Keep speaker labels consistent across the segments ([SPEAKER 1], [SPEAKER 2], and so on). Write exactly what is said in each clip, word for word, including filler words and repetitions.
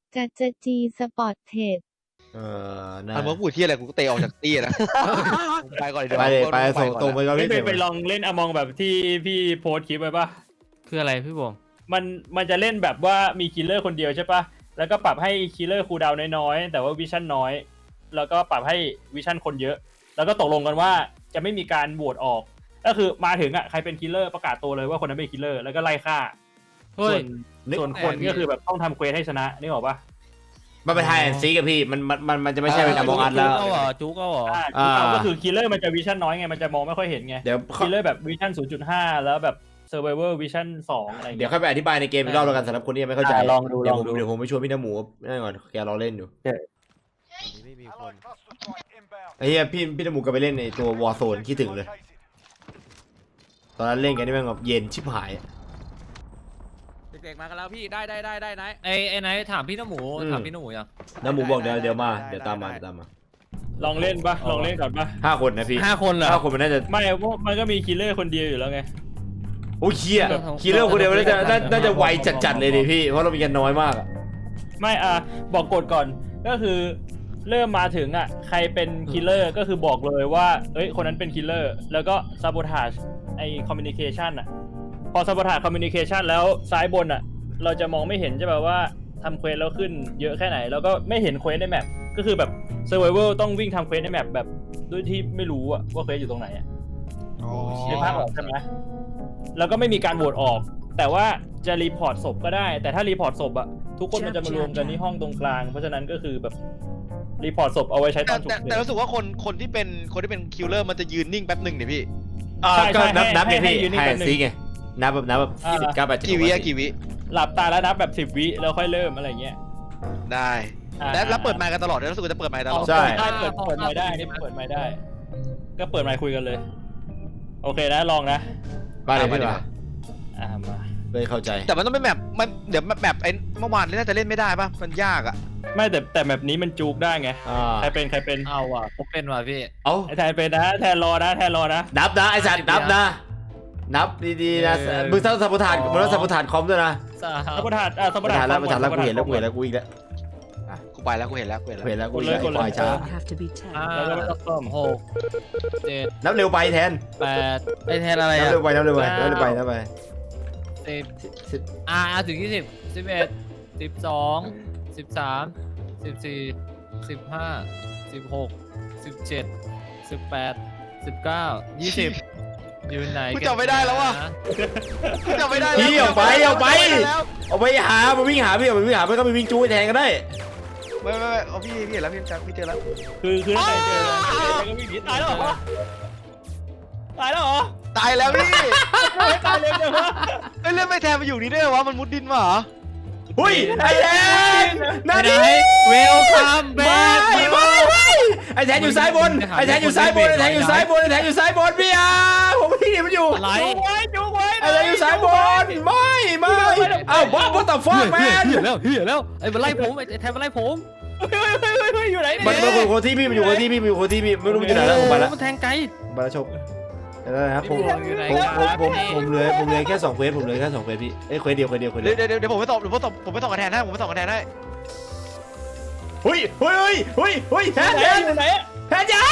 [SPEAKER 1] จัดจะจีสปอร์ตเทรด
[SPEAKER 2] เออนะ
[SPEAKER 3] อันเมื่อพูดที่อะไรกูก็เตะออกจากตี้นะไปก่อนเดี๋ยว
[SPEAKER 2] ไปเลยไปส่งตรงไปก่อน
[SPEAKER 4] ไม่
[SPEAKER 2] พี่
[SPEAKER 4] ไปไปลองเล่นอมองแบบที่พี่โพสต์คลิปไว้ปะ
[SPEAKER 5] คืออะไรพี่บง
[SPEAKER 4] มันมันจะเล่นแบบว่ามีคิลเลอร์คนเดียวใช่ปะแล้วก็ปรับให้คิลเลอร์คูลดาวน์น้อยๆแต่ว่าวิชั่นน้อยแล้วก็ปรับให้วิชั่นคนเยอะแล้วก็ตกลงกันว่าจะไม่มีการโหวตออกก็คือมาถึงอ่ะใครเป็นคิลเลอร์ประกาศตัวเลยว่าคนนั้นเป็นคิลเลอร์แล้วก็ไล่ฆ่า
[SPEAKER 5] เฮ้
[SPEAKER 4] ส่
[SPEAKER 5] ย
[SPEAKER 4] วนส่วนคนก็คือแบบต้องทำเควสให้ชนะนี่บอกปะ
[SPEAKER 2] มันเป็นไฮแอนซีกับพี่มันมันมันมันจะไม่ใช่เป็นอมองอัดแล้ว
[SPEAKER 5] จุกเอาเหรอจุกเอาเหรอ
[SPEAKER 4] อ่า
[SPEAKER 2] อ่า
[SPEAKER 4] ก็คือคิลเลอร์มันจะวิชั่นน้อยไงมันจะมองไม่ค่อยเห็นไง
[SPEAKER 2] เดี๋ยว
[SPEAKER 4] คิลเลอร์แบบวิชั่น ศูนย์จุดห้า แล้วแบบ Survivor Vision สองอะไร
[SPEAKER 2] เดี๋ยว
[SPEAKER 4] เงี้ย
[SPEAKER 2] ค่อยไปอธิบายในเกมอีกรอบแล้วกันสำหรับคนที่ยังไม่เข้าใจ
[SPEAKER 4] อ่าลองดู
[SPEAKER 2] เดี๋ยว
[SPEAKER 4] ล
[SPEAKER 2] ผ
[SPEAKER 4] อง
[SPEAKER 2] ม
[SPEAKER 4] ดู
[SPEAKER 2] เดี๋ยวผมไปชวนพี่น้ำหมูนั่นก่อนแกรอเล่นอยู่
[SPEAKER 3] ไม่มีคน
[SPEAKER 2] ไอ้เหี้ยพี่พี่น้ำหมูก็ไปเล่นในตัววอร์โซนคิดถึงเลย ตอนนั้นเล่นกันนี่แม่งแบบเย็นชิบหาย
[SPEAKER 6] เด็กๆมากันแล้วพี่ได้ได้ได้ได้ไหน
[SPEAKER 5] ไอ้ไอ้ไหนถามพี่น้ำหมู
[SPEAKER 2] อืม
[SPEAKER 5] ถามพี่น้ำหมูยัง
[SPEAKER 2] น้ำหมูบอกเดี๋ยวเดี๋ยวมา
[SPEAKER 3] ได้
[SPEAKER 2] เดี๋ยวตามมา
[SPEAKER 3] ได้
[SPEAKER 2] เดี๋ยวตามมา
[SPEAKER 4] ลองเล่นปะลองเล่นก่อนปะ
[SPEAKER 2] ห้าคนนะพี่
[SPEAKER 5] ห้าคนเหรอ
[SPEAKER 2] ห้าคนมันน่าจะ
[SPEAKER 4] ไม่เพราะมันก็มีคิลเลอร์คนเดียวอยู่แล้วไง
[SPEAKER 2] โอ้ยเคียคีเลอร์คนเดียวน่าจะน่าน่าจะไวจัดๆเลยดิพี่เพราะเรามีกันน้อยมากอะ
[SPEAKER 4] ไม่อ่ะบอกกฎก่อนก็คือเริ่มมาถึงอ่ะใครเป็นคิลเลอร์ก็คือบอกเลยว่าเอ้ยคนนั้นเป็นคิลเลอร์แล้วก็ซาโบทาจไอคอมมิวนิเคชันอ่ะพอซาโบทาจคอมมิวนิเคชันแล้วซ้ายบนอ่ะเราจะมองไม่เห็นใช่ป่ะว่าทำเควสแล้วขึ้นเยอะแค่ไหนแล้วก็ไม่เห็นเควสในแมปก็คือแบบเซอร์ไวเวอร์ต้องวิ่งทำเควสในแมปแบบด้วยที่ไม่รู้อะว่าเควสอยู่ตรงไหนอะ ในภาคออกใช่ไหมแล้วก็ไม่มีการโหวตออก แต่ว่าจะรีพอร์ตศพก็ได้ แต่ถ้ารีพอร์ตศพอะทุกคนมันจะมารวมกันที่ห้องตรงกลาง เพราะฉะนั้นก็คือแบบรีพอร์ตศพเอาไว้ใช้ต
[SPEAKER 3] แต่
[SPEAKER 4] อนฉุก
[SPEAKER 3] แต่
[SPEAKER 4] เฉิ
[SPEAKER 3] แต่
[SPEAKER 4] น
[SPEAKER 3] รู้สึกว่าคนคนที่เป็นคนที่เป็นคิลเลอร์มันจะยืนนิ่งแป๊บหนึ่งเนี่ยพี่
[SPEAKER 2] อ่า
[SPEAKER 4] ใช่
[SPEAKER 2] ก็นับ
[SPEAKER 4] ใช่
[SPEAKER 2] นับเนี่ย
[SPEAKER 4] ให้
[SPEAKER 2] พี่
[SPEAKER 4] ให้ยืนนิ่ง
[SPEAKER 2] ไฮ
[SPEAKER 4] แป๊
[SPEAKER 2] แอน
[SPEAKER 4] บนึง
[SPEAKER 2] ซีไงนับแบบนับแบบ
[SPEAKER 4] อ่า
[SPEAKER 2] ยี่สิบเก้าแปดเจ็ด
[SPEAKER 3] กี่วิอะกี่วิ
[SPEAKER 4] หลับตาแล้วนับแบบสิบวิแล้วค่อยเริ่มอะไรเงี้ย
[SPEAKER 3] ได้
[SPEAKER 4] อ่า
[SPEAKER 3] แล้วแล้วเปิดไมค์กันตลอดเลยรู้สึกว่าจะเปิดไมค์ตลอด
[SPEAKER 2] ใช่
[SPEAKER 4] ได้เปิดเปิดไมค์ได้นี่เปิดไมค์ได้ ก็เปิดไมค์คุยกันเลย โอเคนะลองนะ
[SPEAKER 2] มาเลย
[SPEAKER 3] อ่ะ
[SPEAKER 2] พี่
[SPEAKER 3] มา
[SPEAKER 2] มา
[SPEAKER 4] อ่ามา
[SPEAKER 2] เลยเข้าใจ
[SPEAKER 3] แต่มันต้องเป็นแมปมันเดี๋ยวแมปไอ้เมื่อวานน่าจะเล่นไม่ได้ป่ะมันยากอ่ะ
[SPEAKER 4] ไม่แต่แต่แบบนี้มันจูกได้ไง
[SPEAKER 2] อ่า
[SPEAKER 4] ใครเป็นใครเป็น
[SPEAKER 5] เอาว่ะผมเป็นว่ะพี่
[SPEAKER 2] เอา
[SPEAKER 4] ไอแทนเป็นนะแทนรอนะแทนรอนะ
[SPEAKER 2] นับนะไอสัตว์นับนะ นับดีๆนะ
[SPEAKER 5] เออ
[SPEAKER 2] มึงต้องสัมปทานมึงต้องสัมปทานคอมด้วยนะ
[SPEAKER 5] สา
[SPEAKER 4] สัมปทานอ่าสัม
[SPEAKER 2] สั
[SPEAKER 4] ป
[SPEAKER 2] มป
[SPEAKER 4] ทา
[SPEAKER 2] ทาน
[SPEAKER 4] น
[SPEAKER 2] แล้วสัมปทานแล้วกูเห็นแล้วกูเห็นแล้วกูอีกแล้ว
[SPEAKER 3] กูไปแล้วกูเห็นแล้วกูเห็น
[SPEAKER 2] กู
[SPEAKER 3] แล้ว
[SPEAKER 2] เห็นแล้วกูอีกแล้วไอ้ควายช้า
[SPEAKER 1] have to be ten
[SPEAKER 5] ห้า
[SPEAKER 4] แล้วก็ไม่ต้องซ่อม
[SPEAKER 5] หกเจ็ด
[SPEAKER 2] นับเร็วไปแทน
[SPEAKER 5] แปดไอ้แทนอะไร
[SPEAKER 2] นับ
[SPEAKER 5] อ่ะ
[SPEAKER 2] เร็วไปนับเร็วไปนับเร็วไปนับไป
[SPEAKER 5] สิบ
[SPEAKER 2] สิบ
[SPEAKER 5] อ่าถึงยี่สิบสิบเอ็ดสิบสองสิบสามสิบสี่สิบห้าสิบหกสิบเจ็ดสิบแปดสิบเก้ายี่สิบอยู่ไหน
[SPEAKER 3] กูจำไม่ได้แล้วว่ะกูจำไม่ได้แล้ว
[SPEAKER 2] พี่เอาไปเอาไป
[SPEAKER 3] จำม่ด้แล้ว
[SPEAKER 2] เอาไปหาไปวิ่งหาพี่เอาไปวิ่งหาไม่ก็ไปวิ่งจู้แทนก็ได้
[SPEAKER 3] ไม่ไม่ไม่เอาพี่พี่เห็นแล้วพี่จำพี่เจอแล้ว
[SPEAKER 4] คือคือถ้าใครเจอใครก็วิ่งหนีตายแล้วเหรอตายแล้วเหรอ
[SPEAKER 3] ตายแล้วพี่
[SPEAKER 4] ไม่ตายเร็วจังวะ
[SPEAKER 3] เอ้ยเล่นไม่แทนมาอยู่นี่ได้เหรอวะมันมุดดินมาเหรอ
[SPEAKER 2] หุ้ยไอ้แทน
[SPEAKER 5] ไหน
[SPEAKER 2] นั่นดิ
[SPEAKER 5] เวลคัมแบ็
[SPEAKER 2] ไม่
[SPEAKER 5] ค
[SPEAKER 2] ไม่ไม่ไอ้แทนอยู่ซ้ายบนไอ้แทนอยู่ซ้ายบนไอ้แทนอยู่ซ้ายบนไอ้แทนอยู่ซ้ายบนพี่อาผมที่นี่มันอยู่
[SPEAKER 5] อะไร
[SPEAKER 4] จูงไว้จูงไว้
[SPEAKER 2] ไอ้แทนอยู่ซ้ายบนไม่ไม่เอ้าบ้าบ้าต่อฟอกแมน
[SPEAKER 5] เหี้ยแล้วเหี้ยแล้วไอ้มันไล่ผมไอ้แทนมันไล่ผม
[SPEAKER 4] เฮ้ยเฮ้ยเฮ้ยเฮ้ยอยู่ไหน
[SPEAKER 2] มัน
[SPEAKER 4] เนี่ย
[SPEAKER 2] มันคนที่พี่มันอยู่คนที่พี่มันอยู่คนที่พี่ไม่รู้มันอยู่ไหนแล้วผมไปแล้ว
[SPEAKER 5] มันแทงไกล
[SPEAKER 2] ไปแล้วชมแล้วนะครับผม
[SPEAKER 5] อยู่ไหน
[SPEAKER 2] ผมผมผม
[SPEAKER 5] ครับ
[SPEAKER 2] ผมเหลือผมเหลือแค่สองเควสผมเหลือแค่สองเควสพี่เอ้ยเควสเดียวเควสเดียวเควสเดี
[SPEAKER 3] เดี๋
[SPEAKER 2] ย
[SPEAKER 3] ยว วเดี๋ยวเดี๋ยวผมไปตอบเดี๋ยวผมตอบผมไปตอบคะแนนให้ผมไปตอบคะแนนให้
[SPEAKER 2] เฮ้ยเฮ้ยเฮ้ยเฮ้ยแทนแทน
[SPEAKER 4] อยู่ไหน
[SPEAKER 2] แทนจ้า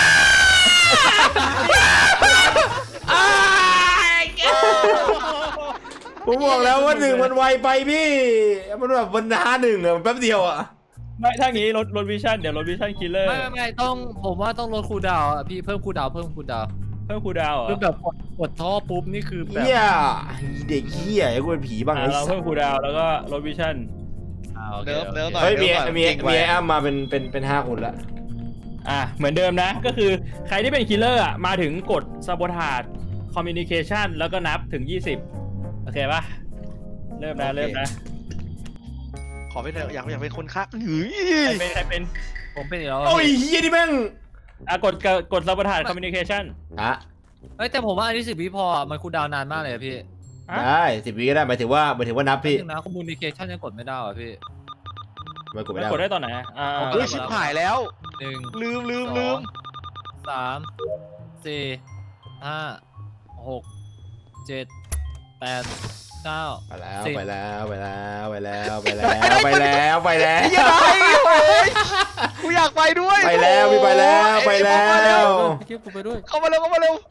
[SPEAKER 2] ผมบอกแล้วว่าหนึ่งมันไวไปพี่มันแบบวันห้าหนึ่งอะมันแป๊บเดียวอะ
[SPEAKER 4] ไม่ถ้างี้รถรถวิชั่นเดี๋ยวรถวิชั่นคิลเลอร์
[SPEAKER 5] ไม่ไม่ไม่ต้องผมว่าต้องลดคูลดาวน์อะพี่เพิ่มคูลดาวน์เพิ่มคูลดาวน์
[SPEAKER 4] เพิ่มคูลดาวน์เหรอ
[SPEAKER 5] คือแบบกดกดท่อปุ๊บนี่คือแบบ
[SPEAKER 2] เฮียเด็กเฮียไอ้กูเป็นผีบ้าง
[SPEAKER 4] อ่า
[SPEAKER 2] ไอ้
[SPEAKER 4] เรา
[SPEAKER 2] สั
[SPEAKER 4] เพิ่
[SPEAKER 2] ส
[SPEAKER 4] มคูลดาวน์แล้วก็รถวิชั่น
[SPEAKER 5] อ่าโอเค
[SPEAKER 3] เนิร์ฟ
[SPEAKER 5] โอเค
[SPEAKER 3] เนิร์ฟหน่อย
[SPEAKER 2] เฮ้ยมี
[SPEAKER 3] นิร์ฟหน่อ
[SPEAKER 2] มี
[SPEAKER 3] เก่ง
[SPEAKER 2] มี
[SPEAKER 3] ไว้
[SPEAKER 2] ไอ้อ้ำมาเป็นเป็นเป็นห้าคนละ
[SPEAKER 4] อ่ะเหมือนเดิมนะก็คือใครที่เป็นคิลเลอร์อ่ะมาถึงกดซาโบทาจคอมมิวนิเคชันแล้วก็นับถึงยี่สิบโอเคป่ะเริ่มนะเริ่มนะ
[SPEAKER 3] ขอไม่ได้อยากอยากเป็นคนฆ่าหรือ
[SPEAKER 4] ใครเป็นใครเป็น
[SPEAKER 5] ผมเป็นอีกแล้ว
[SPEAKER 2] โอ้ยเฮียนี่แม่ง
[SPEAKER 4] อ่ะกดกดกดซาโบทาจคอมมิวนิเคชัน
[SPEAKER 2] อะ
[SPEAKER 5] เอ้ยแต่ผมว่าอันนี้สิบวิพออะมันคูลดาวน์นานมากเลยอะพี่
[SPEAKER 2] ได้สิบวิก็ได้หมายถึงว่าหมายถึงว่านับพี่
[SPEAKER 5] นึงนะคอมมูนิเคชันยังกดไม่ได้อ่ะพี่
[SPEAKER 2] ไม่กดไม่
[SPEAKER 4] มัน
[SPEAKER 2] ได้
[SPEAKER 4] กดได้ตอนไหนอ่ะอ่า
[SPEAKER 3] เฮ้ยชิบหายแล้ว
[SPEAKER 5] หนึ่ง
[SPEAKER 3] ลืมลืม
[SPEAKER 5] ส
[SPEAKER 3] ลื
[SPEAKER 5] อ
[SPEAKER 3] ม
[SPEAKER 5] งสามสี่ห้าหกเจ็ดแปดเก้า
[SPEAKER 2] ไปแล้ว
[SPEAKER 5] สิบ
[SPEAKER 2] ไปแล้วไปแล้วไปแล้วไปแล้วไปแล้วไปแล้ว
[SPEAKER 3] ไอ้เหี้ยังไงโอ้ยกูอยากไปด้วย
[SPEAKER 2] ไปแล้วพี่ไปแล้วไปแล้
[SPEAKER 3] ไอ้เหี้ยมาเร็
[SPEAKER 2] ว
[SPEAKER 5] พี่กิ๊ฟกูไปด้วย
[SPEAKER 3] เข้ามาเร็วเข้ามาเร็ว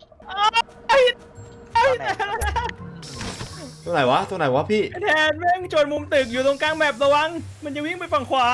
[SPEAKER 2] ตรงไหนวะตรงไหนวะพี่
[SPEAKER 4] ไอ้แทนแม่งโจรมุมตึกอยู่ตรงกลางแมประวัง มันจะวิ่งไปฝั่งขวา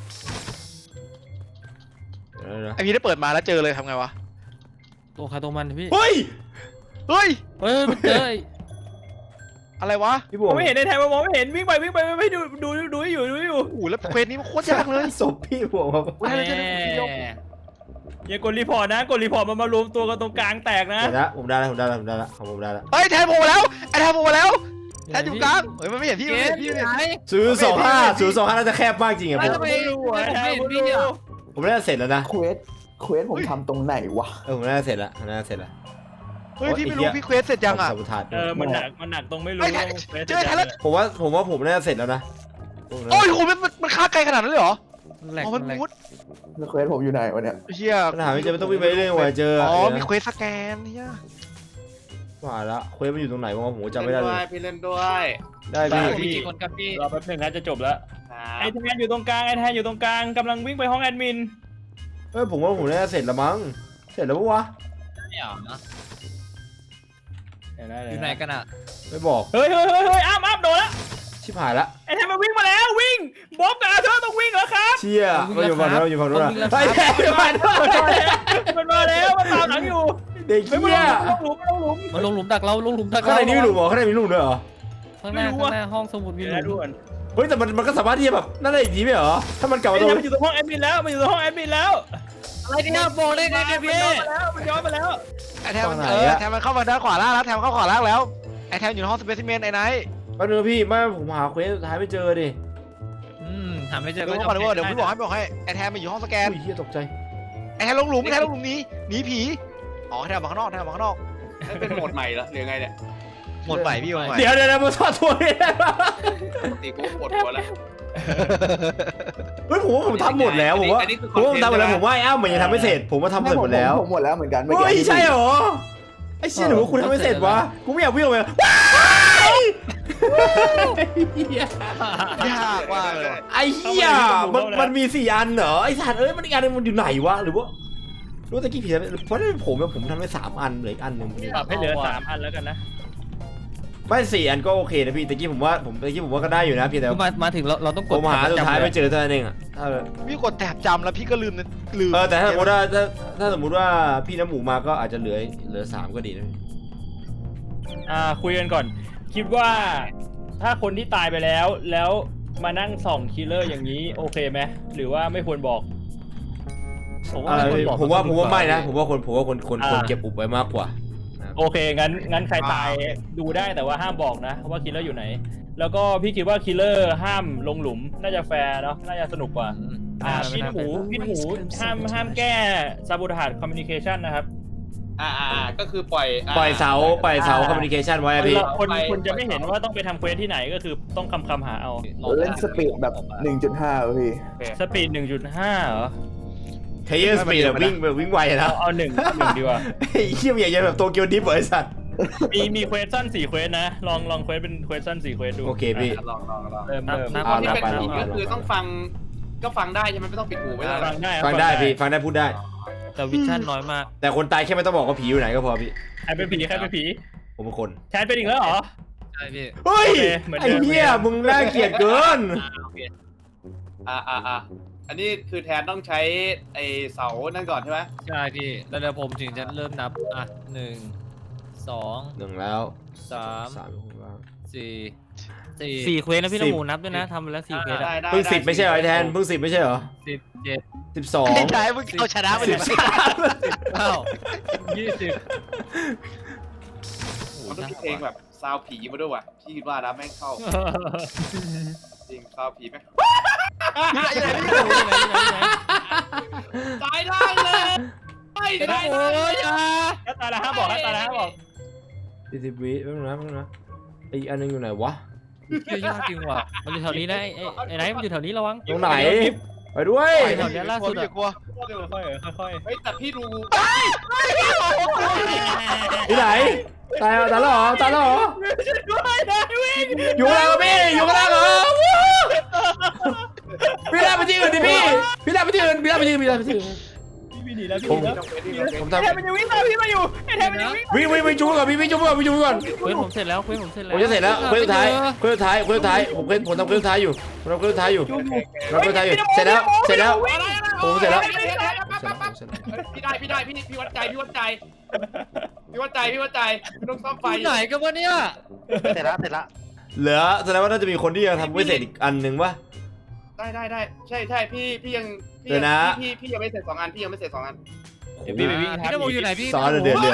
[SPEAKER 2] เดี๋ยว
[SPEAKER 3] ไอพี่ได้เปิดมาแล้วเจอเลยทำไงวะ
[SPEAKER 5] ตัวใครตัวมันพี่
[SPEAKER 2] เฮ้ย
[SPEAKER 3] เฮ้ย
[SPEAKER 5] เฮ้ยมันเจอไอ้
[SPEAKER 3] อะไรวะ
[SPEAKER 2] พี่บ
[SPEAKER 4] ม
[SPEAKER 2] ว
[SPEAKER 4] อง งไม่เห็นไอ้แทนมองไม่เห็นวิ่งไปวิ่งไปวิ่งไปดูดูดูให้อยู่ดูให้อยู่
[SPEAKER 3] โอ้โหแล้วเควสนี้มันโคตรยากเลย
[SPEAKER 2] ศพพี่บวงครับ
[SPEAKER 3] กูได้แล้วเจอเลยพี่ยก
[SPEAKER 4] อย่ากดรีพอร์ตนะกดรีพอร์ตมันมารวมตัวกันตรงกลางแตกนะ
[SPEAKER 2] เดี๋ยวนะผมได้แล้วผมได้แล้วผมได้แล้วของผมได้แล้ว
[SPEAKER 3] เฮ้ยแทนโผล่มาแล้วไอแทนโผล่มาแล้วแทนอยู่กลางเฮ้ยมันไม่เห็นพี่
[SPEAKER 5] เก
[SPEAKER 3] ไม่เห็
[SPEAKER 5] ม
[SPEAKER 3] นพี่
[SPEAKER 5] อยู่
[SPEAKER 3] ไม่
[SPEAKER 5] ไหน
[SPEAKER 3] เห็น
[SPEAKER 2] ศูนย์สองห้าศูนย์สองห้าน่าจะแคบมากจริงอะผ
[SPEAKER 5] ไม่
[SPEAKER 2] ม
[SPEAKER 5] ทำไม
[SPEAKER 4] ไม่รู้อะ
[SPEAKER 5] ไม่เห็น
[SPEAKER 4] ไม่
[SPEAKER 5] พี่
[SPEAKER 4] รู้
[SPEAKER 5] อ่ะ
[SPEAKER 2] ผมน่าจะเสร็จแล้วนะ
[SPEAKER 7] เควสเควสผมทำตรงไหนวะ
[SPEAKER 2] เออผมน่าจะเสร็จแล้วผมน่าจะเสร็จแล้ว
[SPEAKER 3] เฮ้ยพี่ไม่รู้พี่เควสเสร็จยังอ่ะ
[SPEAKER 2] สัมปทาน
[SPEAKER 4] เออมันหนักมันหนักตรงไม่รู้
[SPEAKER 3] ไอ้แทนเจอแทนแล้ว
[SPEAKER 2] ผมว่าผมว่าผมน่าจะเสร็จแล้วนะ
[SPEAKER 3] โอ้ยโหมันมันมันฆ่าไกลขนาดนั้นเลยเหรอ
[SPEAKER 5] แหลก
[SPEAKER 3] อ๋อมัน
[SPEAKER 5] แหลก
[SPEAKER 3] มุด
[SPEAKER 7] แล้วเควสผมอยู่ไหนวะเนี่ย
[SPEAKER 3] เฮีย
[SPEAKER 2] ปัญหาไม่เจอไม่ต้องวิ่งไปเรื่อยๆกว่าจะเจอ
[SPEAKER 3] อ๋อ
[SPEAKER 2] เดี๋ยว
[SPEAKER 3] มี
[SPEAKER 2] นะ
[SPEAKER 3] เควสสแกนเฮีย
[SPEAKER 2] ว่าละเควสมันอยู่ตรงไหนวะผมจำไม่ได้เลย
[SPEAKER 6] พี่เล่นด้วย
[SPEAKER 2] ได้
[SPEAKER 5] พี่
[SPEAKER 2] พี่
[SPEAKER 5] มีกี่คนครับพี่
[SPEAKER 4] รอแป๊บหนึงนะจะจบแล้ว
[SPEAKER 6] ครับ
[SPEAKER 4] ไอ้แทนอยู่ตรงกลางไอ้แทนอยู่ตรงกลางกำลังวิ่งไปห้องแอดมิน
[SPEAKER 2] เฮ้ยผมว่าผมน่าจะเสร็จแล้วมั้งเสร็จแล้วปะวะ
[SPEAKER 5] ไม่เหรอนะ
[SPEAKER 4] เดี๋ยวนะ
[SPEAKER 5] อ
[SPEAKER 4] เดี๋ยว
[SPEAKER 5] ยู่ไหน
[SPEAKER 4] นะ
[SPEAKER 5] กันอ่ะ
[SPEAKER 2] ไม่บอก
[SPEAKER 4] เฮ้ยเฮ้ยเฮ้ยเฮ้ยอ้ามอ้ามโดนแล้ว
[SPEAKER 2] ชิบหายละ
[SPEAKER 4] ไอ้แทนมันวิ่งมาแล้ววิ่งบ๊อบกับอาเธอร์ต้องวิ่งแล้วครับ
[SPEAKER 2] เชี่ยมาอยู่ฝั่งนู้นอยู่ฝั่งนู้นนะไอ้แค่อยู่ฝั่งนู้น
[SPEAKER 4] มันมาแล้วมันตามหลังอยู่
[SPEAKER 2] เด็ก
[SPEAKER 4] เฮ้ยมัน
[SPEAKER 2] เชี่ย
[SPEAKER 4] ลงหลุมมันลงหลุม
[SPEAKER 5] มันลงหลุมดักเราลงหลุมดัก
[SPEAKER 2] ข้าง
[SPEAKER 5] เรา
[SPEAKER 2] ในนี่มีหลุมเหรอข้างในมีหลุมด้วยเหรอ
[SPEAKER 5] ข้างหน้า
[SPEAKER 4] ไม่รู้
[SPEAKER 5] ข้า
[SPEAKER 4] อะ
[SPEAKER 5] งหน้าห้องสมุดมี
[SPEAKER 4] เดี๋ยว
[SPEAKER 5] หลุ
[SPEAKER 4] นะ
[SPEAKER 5] ม
[SPEAKER 4] ด่วน
[SPEAKER 2] เฮ้ยแต่มันมันก็สามารถที่จะแบบนั่นได้อีกทีไหมเหรอถ้ามันกลับ
[SPEAKER 4] ไอ้
[SPEAKER 2] มาต
[SPEAKER 4] แท
[SPEAKER 2] รง
[SPEAKER 4] นมันอยู่ตรงห้องแอดมินแล้วมันอยู่ตรงห้องแอดมินแล้ว
[SPEAKER 5] อะไรเนี่ยบอกได้ไงเนี่ยพี่
[SPEAKER 4] มันย้อนมาแล้ว
[SPEAKER 3] ไอแทนมันเออแทนมันเข้ามาด้านขวาล่างแล้วแทนมันเข้าขวาล่างแล้วไอแทนอยู่ในห้องสเปซิเมนไอ้ไนท์
[SPEAKER 2] แป๊บนึงพี่ไม่ผมหาเควสสุดท้ายไม่เจอดิ
[SPEAKER 5] อืมหาไม่เจ
[SPEAKER 3] เดี๋
[SPEAKER 5] อ
[SPEAKER 3] ยว
[SPEAKER 5] ก็
[SPEAKER 3] ก่อนเดี๋ยวเดี๋ยวพี่บอกให้บอกให้ไอแทนมาอยู่ห้องสแกน
[SPEAKER 2] อุ้ยเฮียตกใจ
[SPEAKER 3] ไอแทนลงหลุมไอแทนลงหลุมหนี้หนีผีอ๋อไอแทนออกมาข้างนอกไอแทนออกมาข้างนอก
[SPEAKER 6] ไม่เป็นโหมดใหม่แล้วหรือไงเนี่ย
[SPEAKER 3] หมดใหม่พี่หมดใหม่
[SPEAKER 2] เดี๋ยวเดี๋ยวเดี๋ยวผมทอดตัวนี่ได้ปะ
[SPEAKER 6] ปกติกูปวดหัวแล้ว
[SPEAKER 2] เฮ้ยผมว่าผมทำหมดแล้วผมว่า
[SPEAKER 6] อันนี้คือ
[SPEAKER 2] ผมว่าผมทำหมดแล้ว
[SPEAKER 6] ค
[SPEAKER 2] ผ
[SPEAKER 6] อนเทนต์
[SPEAKER 2] มว่าไอ้อ้ามันยังทำไม่เสร็จ ผมว่าทำเสร็จหมดแล้ว
[SPEAKER 7] ผมหมดแล้วเหมือนกัน
[SPEAKER 2] เฮ้ยใช่เหรอไอ้เชี่ยหนูว่าคุณทำไม่เสร็จวะกูไม่อยากวิ่งออกไปว้ายเหี้ย
[SPEAKER 3] ยากมากเลย
[SPEAKER 2] ไอ้เหี้ยมันมันมีสี่อันเหรอไอ้สัตว์เอ้ยมันอีกอันนึงมันอยู่ไหนวะหรือว่ารู้ตะกี้ผิดเพราะนั่นผมผมทำไปสามอันเหลืออีกอันหนึ่ง
[SPEAKER 4] ปรับให้เหลือสามอันแล้วกันนะ
[SPEAKER 2] ไม่สี่อันก็โอเคนะพี่ตะกี้ผมว่าผมตะกี้ผมว่าก็ได้อยู่นะพี่แต่
[SPEAKER 5] คือมามาถึงเราเราต้องก
[SPEAKER 2] ผ
[SPEAKER 5] ด
[SPEAKER 2] มหาสุดท้าย
[SPEAKER 5] จำ
[SPEAKER 2] ไม่เจอเท่านั้นเองอะถ้า
[SPEAKER 3] พี่กดแถบจำแล้วพี่ก็ลืมนะลืม
[SPEAKER 2] เออแต่ถ้าสมมติว่าถ้าถ้าสมมติว่าพี่น้ำหมูมาก็อาจจะเหลือเหลือสามก็ดีนะ
[SPEAKER 4] อ่าคุยกันก่อน คิดว่าถ้าคนที่ตายไปแล้ว แล้วมานั่งส่องคิลเลอร์อย่างนี้โอเคไหมหรือว่าไม่ควรบอก
[SPEAKER 5] ผมว่า
[SPEAKER 2] อ่า
[SPEAKER 5] ไม่ควรบอก
[SPEAKER 2] ผมว่าผมว่าไม่นะ ผมว่าคนผมว่าคนคน
[SPEAKER 4] อ่า
[SPEAKER 2] คนเก็บอุบไว้มากกว่า
[SPEAKER 4] โอเคงั้นงั้นใครตายดูได้แต่ว่าห้ามบอกนะว่าคิลเลอร์อยู่ไหน แล้วก็พี่คิดว่าคิลเลอร์ห้ามลงหลุมน่าจะแฟร์เนาะน่าจะสนุกกว่า
[SPEAKER 5] อืม
[SPEAKER 4] อ่า
[SPEAKER 5] ไม่
[SPEAKER 4] พี่
[SPEAKER 5] น่า
[SPEAKER 4] หมู
[SPEAKER 5] เป็น
[SPEAKER 4] พี่หมูห้ามห้ามแก้ซาบูทาร์ดคอมมิวนิเคชันนะครับ
[SPEAKER 6] อ่าอ่าอ่าก็คือปล่อยา
[SPEAKER 2] ปล่อยเสาปล่อยเสาคอมมิวนิเคชันไว้อะพี่
[SPEAKER 4] คนคนจะไม่เห็นว่าต้องไปทำเควสที่ไหนก็คือต้องคำคำหาเอา
[SPEAKER 7] เล่นสปีดแบบ หนึ่งจุดห้าพี่
[SPEAKER 4] สปีดหนึ่งจุดห้าเหรอ
[SPEAKER 2] เทเยอร์สปีดแบบวิ่งแบบวิ่งไวอะนะ
[SPEAKER 4] เอาเอาหนึ่งหนึ่งดีกว่า
[SPEAKER 2] ไอ้เขี้ยมใหญ่ๆแบบโตเกียวดิฟเหรอไอ้สัตว์
[SPEAKER 4] มีมีเควสสั้นสี่เควสนะ ลองลองเควสเป็นเควสสั้นสี่เควสดู
[SPEAKER 2] โอเคพี่
[SPEAKER 6] อ่ะลองลองลอง
[SPEAKER 4] เริ่ม
[SPEAKER 5] นับ
[SPEAKER 4] เริ่ม
[SPEAKER 5] นับ
[SPEAKER 2] อ่า
[SPEAKER 6] ที่เป็น
[SPEAKER 2] ไป
[SPEAKER 6] ผี
[SPEAKER 2] ไป
[SPEAKER 6] ก็คือต้องฟังก็ฟังได้ใช่ไหมไม่ต้องปิดหูไว้เลย
[SPEAKER 4] ฟังได้
[SPEAKER 2] ฟังได้พี่ฟังได้พูดได้
[SPEAKER 5] แต่วิชั่นน้อยมาก
[SPEAKER 2] แต่คนตายแค่ไม่ต้องบอกว่าผีอยู่ไหนก็พอพี่
[SPEAKER 4] ใครเป็นผีใครเป็นผี
[SPEAKER 2] ผมเป็นคน
[SPEAKER 4] แทนเป็นอีกแล้วเหรอ
[SPEAKER 5] ใช่พี่
[SPEAKER 2] เฮ้ย
[SPEAKER 4] โอเคเหมือนเดิ
[SPEAKER 2] ไอ้
[SPEAKER 4] ม
[SPEAKER 2] เหี้ยมึงน่าเกลียดเกิน
[SPEAKER 6] อ่าโอเคอ่าอ่าอ่าอันนี้คือแทนต้องใช้ไอเสานั่นก่อนใช่ไหม
[SPEAKER 5] ใช่พี่แล้วเดี๋ยวผมถึงจะเริ่มนับอ่ะหนึ่งสอง
[SPEAKER 2] หนึ่งแล้ว
[SPEAKER 5] สาม
[SPEAKER 2] สามคนบ้าง
[SPEAKER 5] สี่สี่สี่เควสนะพี่
[SPEAKER 2] สิ
[SPEAKER 5] น้
[SPEAKER 2] บ
[SPEAKER 5] องหมูนับด้วยนะทำไปแล้วสี่เควส
[SPEAKER 6] ได้
[SPEAKER 5] อะ
[SPEAKER 6] ได้
[SPEAKER 2] เพิ่งสิบ
[SPEAKER 6] ด้
[SPEAKER 2] ไม่ใช่เหรอไอ้แทนเพิ่งสิบไม่ใช่เหรอ
[SPEAKER 5] สิบเจ็ด
[SPEAKER 2] สิบสอง
[SPEAKER 3] ไอ้ไทยมึงเอาชนะไป
[SPEAKER 2] สิ
[SPEAKER 3] เลย
[SPEAKER 2] บสาม
[SPEAKER 5] เก้ายี่สิบ
[SPEAKER 6] มันต้องมีเพลงแบบซาวผีมาด้วยว่ะพี่คิดว่านะแม่งเข้าจริงซาวผีแม่งตายได้เลยไม่ได้เลย
[SPEAKER 4] ถ้าตายแล้วห้ามบอกถ้าตายแล้วห้ามบอก
[SPEAKER 2] สี่สิบวิแป๊บนึงนะแป๊บนึงนะไอ้อันนึงอยู่ไหนวะ
[SPEAKER 5] ชื่อยากจริงว่ะมันอยู่แถวนี้นะไอ้ไอ้ไอ้ไหนมันอยู่แถวนี้ระวัง
[SPEAKER 2] ตรงไหนไปด้วย
[SPEAKER 5] ไปแถวเนี้ยล่าสุด
[SPEAKER 3] อย่า
[SPEAKER 5] อะ
[SPEAKER 3] กลัว
[SPEAKER 4] ค่อยๆค่อย
[SPEAKER 6] เฮ้ยแต่พี่ดู
[SPEAKER 2] ที่ไหนตายแล้วตายแล้วเหรอตายแล้วเหรอ
[SPEAKER 4] ด้วยนะวิ่ง
[SPEAKER 2] อยู่ข้างล่างเหรอพี่อยู่ข้างล่างเหรอพี่ลากไปที่อื่นดิพี่พี่ลากไปที่อื่นพี่ลากไปที่อื่นพี่ลากไปที่อื่น
[SPEAKER 4] พี่หนีแล้วพี่
[SPEAKER 2] ผม
[SPEAKER 4] หนีแล้ว
[SPEAKER 2] ผม
[SPEAKER 4] ไอ้
[SPEAKER 2] ทำ
[SPEAKER 4] แทนมันยังวิ่งตามพี่มาอยู่ไอ้แทนมันยังวิ่ง
[SPEAKER 2] วิ่งวิ่งวิ่งจุ๊บก่อนพี่วิ่งจุ๊บก่อนวิ่งจุ๊บก่อน
[SPEAKER 5] เควสผมเสร็จแล้วเควสผมเสร็จแล้ว
[SPEAKER 2] ผมจะเสร็จแล้วเครื่องสุดท้ายเครื่องสุดท้ายเครื่องสุดท้ายผมเคยผมทำเครื่องสุดท้ายอยู่ผมทำเครื่องสุดท้ายอยู่ผมทำเครื่องสุดท้ายอยู่เสร็จแล้วเสร็จแล้วผมเสร็จแล้ว
[SPEAKER 6] พี่ได้พี่ได้พี่พี่วัดใจพี่วัดใจพี่วัดใจพี่วัดใจไม่ต้องซ่อมไฟ
[SPEAKER 5] อยู่ไหนกันวะเนี่ย
[SPEAKER 3] เสร็จแล้วเสร็จแล้ว
[SPEAKER 2] เหลือแสดงว่าน่าจะมีคนที่ยังทำไม่เสร็จอีกอันหนึ่งวะ
[SPEAKER 6] ได้ได้ได้ใช่ใช่พี่พี่ยังพี่
[SPEAKER 2] เดี๋ยวนะ
[SPEAKER 6] พี่พี่ยังไม่เสร็จสองอันพี่ยังไม่เสร็จสองอัน
[SPEAKER 4] เดี๋ยวพี่ไปวิ่ง
[SPEAKER 5] พี่นโมอยู่ไหนพี่
[SPEAKER 2] ซอสเดือดเดือด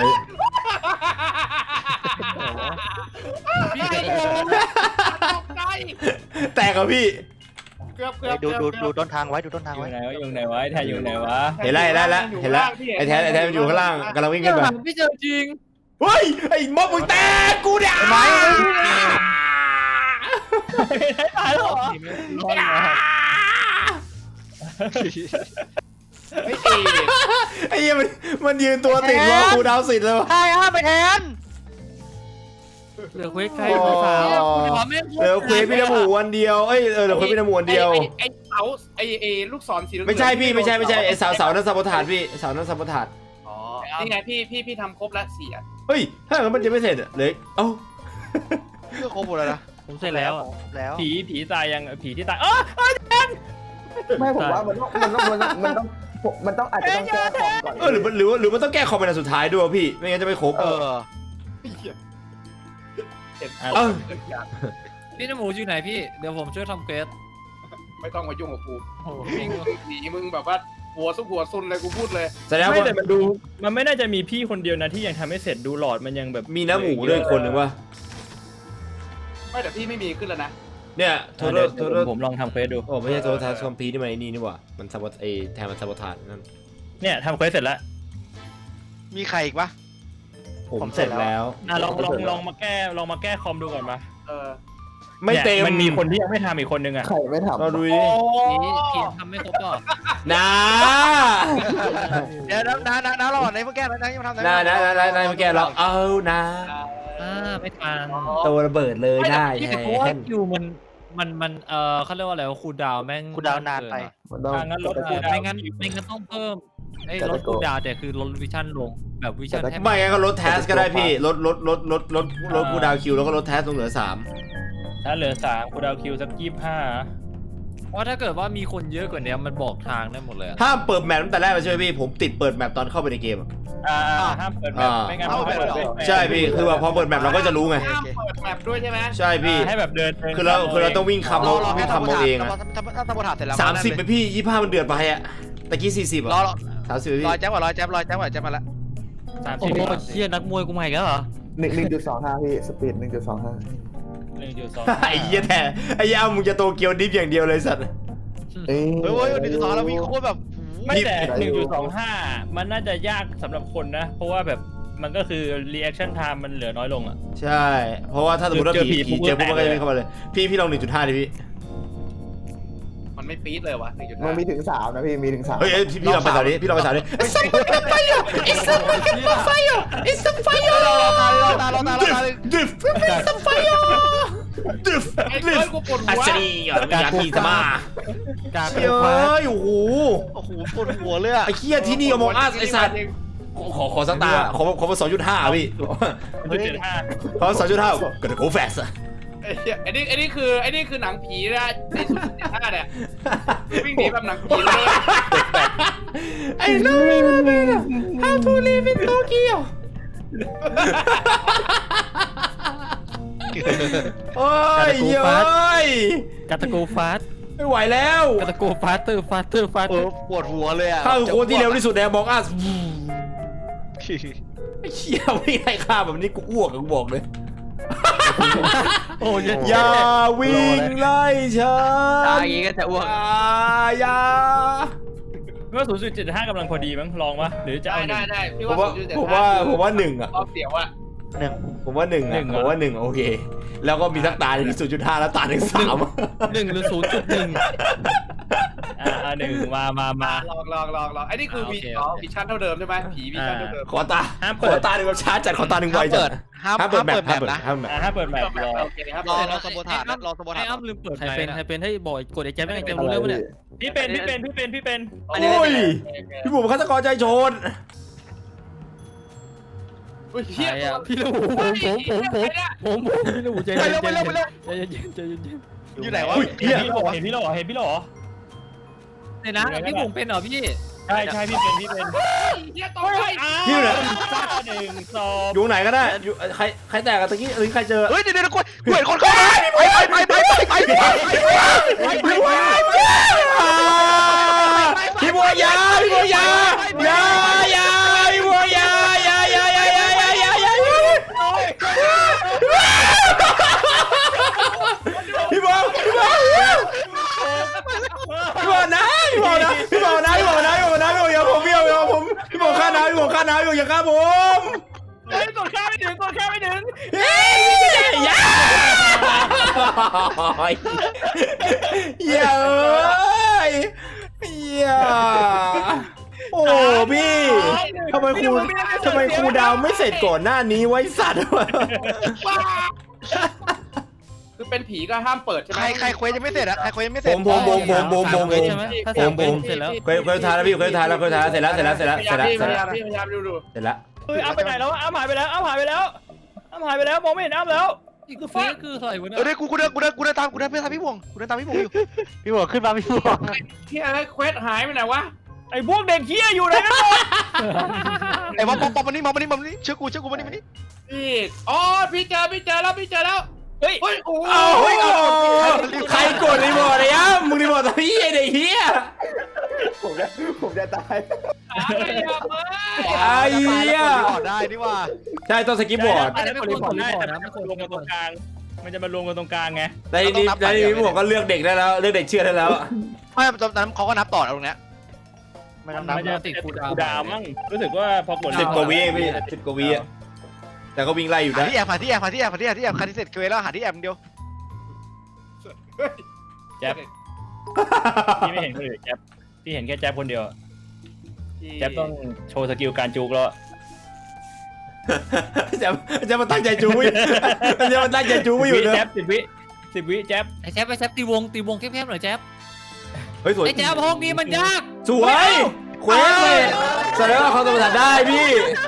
[SPEAKER 5] พี่ไอ้โ
[SPEAKER 6] ตกใจ
[SPEAKER 2] แตกเหรอพี่
[SPEAKER 6] เกือบเกือบ
[SPEAKER 3] ดูดู
[SPEAKER 6] เกือบ
[SPEAKER 3] ดูต้นทางไว้ดูต้นทาง
[SPEAKER 4] อยู่
[SPEAKER 3] ไว้
[SPEAKER 4] ไหนวะอยู่ไหนวะไอ้แทนอยู่ไหนวะ
[SPEAKER 2] เห็นแล้วเห็นแล้วเห็นแล้วไอ้แทนไอ้แทนมันอยู่ข้างล่างกำลังวิ่งขึ้นไป
[SPEAKER 5] พี่เจอจริง
[SPEAKER 2] เฮ้ยไอ้ม็อบมึงแตกกูเนี่ย
[SPEAKER 3] ไม้
[SPEAKER 4] ตายแล้วเหรอ
[SPEAKER 5] รอดแล้ว
[SPEAKER 6] ไม่ตี
[SPEAKER 2] ไอ้เหี้ยมันมันยืนตัวติดรอกูดาวสิทธิ์เลยวะ
[SPEAKER 3] ใช่ฮะไปแทน
[SPEAKER 5] เหลือเควสใครเควสสาว
[SPEAKER 2] เหลือเควสพี่น้ำหมูวันเดียวเอ้ยเออเหลือเควสพี่น้ำหมูวันเดียว
[SPEAKER 6] ไอ้ไอ้เสาไอ้ไอ้ลูกศรสีเหลือง
[SPEAKER 2] ไม่ใช่พี่ไม่ใช่ไม่ใช่ไอ้สาวสาวนั้นสับปะทานพี่สาวนั้นสับปะทาน
[SPEAKER 6] อ๋อนี่ไงพี่พี่พี่ทำครบแล้วสี่อัน
[SPEAKER 2] เฮ้ยถ้าอย่างนั้นมันจะไม่เสร็จอะเลยเอ้า
[SPEAKER 3] เรื่องครบหมดแล้วนะ
[SPEAKER 5] ผมเสร็จแล้วอ่ะ
[SPEAKER 3] แล้ว
[SPEAKER 4] ผีผีตายยังผีที่ตายเออ
[SPEAKER 7] ไม่ผมว่ามันต้องมันต้องมันต้องมันต้องมันต้องอาจจะต้องแก้คอมก่อน
[SPEAKER 2] เออหรือมันหรือว่าหรือมันต้องแก้คอมเป็นอันสุดท้ายด้วยวะพี่ไม่งั้นจะไม่ครบ
[SPEAKER 3] เออ
[SPEAKER 2] เออ
[SPEAKER 5] พี่นโมอยู่ไหนพี่เดี๋ยวผมช่วยทำเควส
[SPEAKER 6] ไม่ต้องมายุ่งกับกู
[SPEAKER 5] โอ้โห
[SPEAKER 6] วิ่งหนีมึงแบบว่าหัวซุกหัวซุนเลยกูพูดเลย
[SPEAKER 2] แสดง
[SPEAKER 4] ไม่
[SPEAKER 2] ว่า
[SPEAKER 4] แต่มันดูมันไม่น่าจะมีพี่คนเดียวนะที่ยังทำไม่เสร็จดูหลอดมันยังแบบ
[SPEAKER 2] มีน้ำหมูด้วยคนหนึ่งวะ
[SPEAKER 6] ไม่แต่พี่ไม่มีขึ้นแล้วนะ
[SPEAKER 2] เนี่ยโท
[SPEAKER 4] เดี๋
[SPEAKER 2] ษ
[SPEAKER 4] ยว
[SPEAKER 2] โทษ
[SPEAKER 4] ผมลองทำเควสดู
[SPEAKER 2] โอ้ไม่ใช่โทษทานคอมพีนี่มันไอ้นี่นี่หว่ามันสับปะไอ้แทนมันสับปะทานนั่น
[SPEAKER 4] เนี่ยทำเควสเสร็จแล้ว
[SPEAKER 3] มีใครอีกปะ
[SPEAKER 2] ผมเสร็จแล้ว
[SPEAKER 4] อ่ะลองลองลองมาแก้ลองมาแก้คอมดูก่อนมา
[SPEAKER 6] เออ
[SPEAKER 2] ไม่เต็ม
[SPEAKER 4] มันมีคนที่ยังไม่ทำอีกคนนึงอ่ะ
[SPEAKER 7] ใครไม่ทำ
[SPEAKER 2] เราดูดิ
[SPEAKER 5] พี่พี่ทำไม่ครบหรอ
[SPEAKER 2] นะ
[SPEAKER 3] เดี๋ยวน้าน้าน้าน้ารอในเมื่อแก้แล้วนะยังทำ
[SPEAKER 2] นะนะนะนะนะเมื่อกี้เราเอานะ
[SPEAKER 5] อ่าไม่ทัน
[SPEAKER 2] ตัวระเบิดเลยได้
[SPEAKER 5] พี่
[SPEAKER 2] แฮ
[SPEAKER 5] เพราะว่าน คิวมันมันมันเออเขาเรียกว่าอะไรคูลดาวน์แม่ง
[SPEAKER 3] คุณดาวนานไป
[SPEAKER 7] มันต้อง
[SPEAKER 4] อ่ะงั้นลด
[SPEAKER 5] เอ
[SPEAKER 4] คู
[SPEAKER 5] อ
[SPEAKER 4] ลดาวน์
[SPEAKER 5] ไม่งั้นไม่งั้นต้องเพิ่มไอ้ลดคูลดาวน์แต่คือลดวิชั่นลงแบบวิชั่นแทบ
[SPEAKER 2] ไม่งั้นก็ลดแทสก็ได้พี่ลดลดลดลดลดลดกูดาวคิวแล้วก็ลดแทสลงเหลือสาม
[SPEAKER 4] ถ้าเหลือสามคูลดาวน์คิวสักยี่สิบห้า
[SPEAKER 5] เพราะถ้าเกิดว่ามีคนเยอะกว่านี้มันบอกทางได้หมดเลยอะ
[SPEAKER 2] ห้ามเปิดแมปตั้งแต่แรกเลยใช่ไหมพี่ผมติดเปิดแมปตอนเข้าไปในเกมอะ
[SPEAKER 4] อ่าห้ามเปิดแมปไม่งั้น
[SPEAKER 3] เอาไป
[SPEAKER 4] เปิด
[SPEAKER 3] เหรอ
[SPEAKER 4] แมป
[SPEAKER 2] ใช่พี่คือว่าพอเปิดแมปเราก็จะรู้ไง
[SPEAKER 6] ห้ามเปิดแมปด้วยใช่ไหม
[SPEAKER 2] ใช่พี่
[SPEAKER 4] ให้แบบเดิน
[SPEAKER 2] คือเราคือเราต้องวิ่งคำ
[SPEAKER 3] ร
[SPEAKER 2] เรา
[SPEAKER 3] อรอ
[SPEAKER 2] วิ่
[SPEAKER 3] แค่
[SPEAKER 2] ง
[SPEAKER 3] ทำ
[SPEAKER 2] คำเราเองอะ
[SPEAKER 3] ถ้าถ้าทำบทถาดเสร็จแล้ว
[SPEAKER 2] สามสิบไปพี่ยี่ห้ามันเดือดไปอะตะกี้สี่สิบ
[SPEAKER 3] รอ
[SPEAKER 2] อะ
[SPEAKER 3] รอ
[SPEAKER 2] สามสิบพี่
[SPEAKER 3] รอแจ๊บก่อนรอแจ๊บรอแจ๊บก่อนแจ๊บมาแล้ว
[SPEAKER 4] สาม
[SPEAKER 5] โอ้
[SPEAKER 4] สิบ
[SPEAKER 5] โหเชี่ยนักมวยกูใหม่แล้วเหรอ
[SPEAKER 7] หนึ่งหนึ่งจุดสองห้าพี่สปีดหนึ่งจุดสองห้า
[SPEAKER 4] หนึ่งจุดสอง
[SPEAKER 2] ไอ้เหี้ยแท้ไอ้เหี้ยเอามึงจะโตเกียวดิฟอย่างเดียวเลยสัตว์
[SPEAKER 7] เอ้ย
[SPEAKER 3] เฮ้ยเฮ้ยหนึ่งจุดสองแล้ววิ่งโคตรแบบ
[SPEAKER 4] ไม่แต่หนึ่งจุดสองห้ามันน่าจะยากสำหรับคนนะ เพราะว่าแบบมันก็คือ reaction time มันเหลือน้อยลงอ่ะ
[SPEAKER 2] ใช่ เพราะว่าถ้าสมมติว่า
[SPEAKER 4] เจอผี
[SPEAKER 2] ผีผีเจอปุ๊บ
[SPEAKER 4] ปุ๊
[SPEAKER 2] มัน
[SPEAKER 4] บ
[SPEAKER 2] ก็
[SPEAKER 4] แตก
[SPEAKER 2] จะ
[SPEAKER 4] เลย
[SPEAKER 2] วิ่งเข้ามาเลย พี่พี่ลองหนึ่งจุดห้าดิพี่
[SPEAKER 6] มันไม่ปี๊ดเลยวะหนึ่งจุด
[SPEAKER 7] มั
[SPEAKER 6] ห้าน
[SPEAKER 7] มีถึงสามนะพี่มีถึงสาม
[SPEAKER 2] เฮ้ยเอ้ยพี่พี่ลองไปสาวดิพี่ลองไปสาวดิไอ้สัตว์ไฟอ่ะไอ้สัตว์ไฟอ่ะไอ้สัตว์ไฟอ่ะ
[SPEAKER 3] รอตารอตารอตารอตา
[SPEAKER 2] ดิฟไอ้สัตว์ไฟอ่ะดิฟ
[SPEAKER 6] ไอ้
[SPEAKER 2] ดิ
[SPEAKER 6] เอ้
[SPEAKER 2] ฟ
[SPEAKER 6] ยกูปวดหั
[SPEAKER 2] อั
[SPEAKER 6] ว
[SPEAKER 2] ศนีอ่ะวิญญาณที่จะมา
[SPEAKER 5] การ
[SPEAKER 2] เฮ้ยโอ้โห
[SPEAKER 3] โอ้โหปวดหัวเลยอะ
[SPEAKER 2] ไอ้เคียที่นี่มองอัสไอ้สัตว์ขอขอสักตาขอขอมาสองจุดห้าพี่
[SPEAKER 4] หนึ่งจุดห้า
[SPEAKER 2] ขอสองจุดห้าก็จะโกแฟสอะ
[SPEAKER 6] ไอ้เหี้ยไอ้นี่ไอ้นี่คือไอ้นี่คือหนังผีนะในสุดสิบห้าเนี่ยวิ่งหนีแบบหนังผีเลย
[SPEAKER 2] ไอ้น้อง how to live in Tokyo โอ้ยเย้ย
[SPEAKER 5] กาตาโกฟาส
[SPEAKER 2] ไม่ไหวแล้ว
[SPEAKER 5] กาตาโกฟาสเตอร์ฟาสเตอร์ฟาส
[SPEAKER 3] เออปวดหัวเลยอะ
[SPEAKER 2] ข้าคือคนที่เร็วที่สุดในมองอัสไอ้เชี่ยวิ่งไล่ฆ่าแบบนี้กูอ้วกกูบอกเลย
[SPEAKER 5] โอ้ย
[SPEAKER 2] อย่าวิ่งไล่ฉัน
[SPEAKER 3] ตายอย่างงี้ก็จะอ้วก
[SPEAKER 2] อย่าอย่า
[SPEAKER 4] เมื่อศูนย์จุดเจ็ดห้ากำลังพอดีมั้งลองวะหรือจะ
[SPEAKER 6] ได้
[SPEAKER 4] เอาหนึ่
[SPEAKER 6] ได้
[SPEAKER 4] ง
[SPEAKER 6] ได้พี่
[SPEAKER 2] ผม
[SPEAKER 6] ว่า
[SPEAKER 2] ว่า
[SPEAKER 6] ศูนย์จุดเจ็ด
[SPEAKER 2] ผม
[SPEAKER 6] ห้า
[SPEAKER 2] ว่าผมว่าหนึ่งอะ
[SPEAKER 6] รอบเสียวอะ
[SPEAKER 3] หนึ่ง
[SPEAKER 2] ผมว่าหนึ่งอะผมว่าหนึ่งโอเค แล้วก็มีสักตาหนึ่งศูนย์จุดห้าแล้วตาหนึ่งสาม
[SPEAKER 5] หนึ่งหรือศูนย์จุดหนึ่ง
[SPEAKER 4] อ่าอ่าหนึ่งมามามา
[SPEAKER 6] ลองลองลองลองไอ้นี่คือวีอ๋อวิชั่นเท่าเดิมใช่ไหมผีวิชั่นเท่าเดิม
[SPEAKER 2] ขอตา
[SPEAKER 4] ห้าม
[SPEAKER 2] ข
[SPEAKER 4] เปิ
[SPEAKER 2] อ
[SPEAKER 4] ด
[SPEAKER 2] ตาหนึ่งแบบช้าจัดขอตาหนึ่งไวจัด
[SPEAKER 3] ห้าม
[SPEAKER 2] ห้ามเปิดแมป
[SPEAKER 3] ห้าม
[SPEAKER 2] ห้าม
[SPEAKER 3] เปิ
[SPEAKER 2] เปิด
[SPEAKER 3] ด
[SPEAKER 2] นะ
[SPEAKER 3] นะ
[SPEAKER 4] อ่าถ้าเปิดแมปรอ
[SPEAKER 6] โอเคครับ
[SPEAKER 3] รอรอสมุทฐานรอสมุทฐา
[SPEAKER 5] ไอ้
[SPEAKER 3] น
[SPEAKER 5] อ้ำลืมเปิด
[SPEAKER 8] ใครเป็น
[SPEAKER 5] ไฟนะ
[SPEAKER 8] ใครเป็นให้บอกกดไอ้แจ๊บไม่ไงแจ๊บรู้เรื่องปะเนี่ย
[SPEAKER 4] พี่เป็นพี่เป็นพี่เป็นพี่เป็น
[SPEAKER 2] โอ้ยพี่บุ๋มฆาตกรใจโจร
[SPEAKER 6] อุ้ย
[SPEAKER 8] ใค
[SPEAKER 6] เฮีย
[SPEAKER 8] รอ่ะพี่ลูกผมผมผมผมผมผมพี่ลูกใจ
[SPEAKER 3] ไป
[SPEAKER 8] เย็น
[SPEAKER 3] เร็วไปเร็วไปเร็ว
[SPEAKER 8] ใจเย็นใจเย็นใจเย็น
[SPEAKER 3] อยู่ไหนวะ
[SPEAKER 2] อุ้ย
[SPEAKER 4] เห็
[SPEAKER 2] เฮี
[SPEAKER 4] น
[SPEAKER 2] ย
[SPEAKER 4] พี่หรอเห็นพี่หรอเห็นพี่หรอ
[SPEAKER 5] เดี๋ยวนะพี่บุ๋มเป็นเหรอพี่
[SPEAKER 4] ใช่ใช่พี่เป็นพี่เป็น
[SPEAKER 6] เฮียตกใจ
[SPEAKER 2] พี่อยู่ไหน
[SPEAKER 4] ซ่าหนึ่งสอง
[SPEAKER 2] อยู่ไหนก็ได้อยู่ใครใครแตกอะตะกี้เอ้ยใครเจอ
[SPEAKER 3] เฮ้ยเดี๋ยวเดี๋ยวกูกูเห็นคนเข้ามาไปไปไปไปไปไปไป
[SPEAKER 2] พี่บัวยาพี่บัวยายายาพี่บัวยายายายายายายายาพี่บัวพี่บัวพี่บัวนะพี่บัวนะพี่บัวนะพี่บัวนะพี่บัวนะพี่บัวอย่าผมพี่บัวอย่าผมพี่บัวฆ่านะพี่บัวฆ่านะพี่บัวอย่าฆ่าผม
[SPEAKER 4] เฮ้ยกดข้าไม่ถึงกดข้าไม่ถึง
[SPEAKER 2] เฮ้ยยาเย้ยเย้โอ้พี่ทำไมครูทำไมครูดาวไม่เสร็จก่อนหน้านี้ไว้สัตว์วะ
[SPEAKER 6] คือเป็นผีก็ห้ามเปิดใช่ไห
[SPEAKER 3] ใค
[SPEAKER 6] ม
[SPEAKER 3] รใครเควสยังไม่เสร็จอะใครเควสยังไม่เส
[SPEAKER 2] ผ
[SPEAKER 3] ร็จ
[SPEAKER 2] มผมผมผมผมผมผม
[SPEAKER 8] ใช่ไหมถ้า
[SPEAKER 2] ผ
[SPEAKER 8] สาม ม
[SPEAKER 2] ผม
[SPEAKER 8] เสร็จแล้ว
[SPEAKER 2] เคยเคยทายแล้วพี่เคยทายแล้วเคยทายแล้วเสร็จแล้วเสร็จแล้วเสร็จแล้วเสร็จแล้ว
[SPEAKER 6] พ
[SPEAKER 2] เสร็จ
[SPEAKER 6] ยา
[SPEAKER 2] แล้ว
[SPEAKER 6] ยามพี่พยายามดูดู
[SPEAKER 2] เสร็จแล้ว
[SPEAKER 4] เฮ้ยอ้ำไปไหนแล้วอ้ำหายไปแล้วอ้ำหายไปแล้วอ้ำหายไปแล้วมองไม่เห็นอ้ำแล้ว
[SPEAKER 8] นี่คือเฟซคืออะไรวะเนี่
[SPEAKER 3] เออเดี๋ยวกูกูเดินกูเดินกูเดินตามกูเดินเพื่อตามพี่วงกูเดินตามพี่วงอยู่
[SPEAKER 8] พี่บอกขึ้นมาพี่บอก
[SPEAKER 6] เฮียเควสหายไปไหนวะ
[SPEAKER 4] ไอ้พวกเด็กเฮี้ยอยู่ไหนกันหมด
[SPEAKER 3] ไอ้บอมบอมบอมมานี่มามานี่มานี่เชื่อกูเชื่อกูมานี่มานี่
[SPEAKER 6] พี่อ๋อพี่เจอพี่เจอแล้วพี่เจอแล้ว
[SPEAKER 4] เฮ้ย
[SPEAKER 6] เฮ้ยโอ้
[SPEAKER 2] เอาเฮ้ยใครกดรีบอร์ดเลยอ่ะมึงรีบอร์ดตอนนี้ไอ้เด็กเฮีย
[SPEAKER 7] ผมจะผมจะตาย
[SPEAKER 6] หาไม่ยากเลย
[SPEAKER 2] ไอ้เหี้ย
[SPEAKER 3] ได้นี่ว่า
[SPEAKER 2] ใช่ต้องสกิปบอร์ด
[SPEAKER 4] ไม่ได้กดรีพอร์ตได้แต่มันรวมกันตรงกลางมันจะมารวมกันตรงกลางไง
[SPEAKER 2] ในนี้ในนี้พี่บอกก็เลือกเด็กได้แล้วเลือกเด็กเชื่อได้แล้ว
[SPEAKER 3] ไม่ตอนนั้นเขาก็นับต่อตรงเนี้ยไม่นับนับ
[SPEAKER 4] มันจะติดคูดาวดาวมั้งรู้สึกว่าพอกด
[SPEAKER 2] สิบกว่าวิเองพี่สิบกว่าวิอ่ะแต่ก็วิ่งไล่อยู่
[SPEAKER 3] หา
[SPEAKER 2] นะ
[SPEAKER 3] ที่แอบหาที่แอบหาที่แอบหาที่แอบที่แอบใครที่เสร็จเควสแล้วหาที่แอบเดียว
[SPEAKER 4] แจ๊บพี่ไม่เห็นคนอื่นแจ๊บพี่เห็นแค่แจ๊บคนเดียวแจ๊บต้องโชว์สกิลการจูกแล้ว
[SPEAKER 2] จะจะมาตั้งใจจูวิจะมาตั้งใจจูวิอยู่นะ
[SPEAKER 4] แจ๊บสิบวิสิบวิแจ๊บ
[SPEAKER 5] ไอ้แจ๊บไอ้แจ๊บตีวงตีวงแคบๆหน่อยแจ๊บ
[SPEAKER 2] เฮ้ยสวย
[SPEAKER 5] ไอ้แจ๊บห้องนี้มันยาก
[SPEAKER 2] สวยเควสเลยแสดงว่าเขาสมรรถได้พี่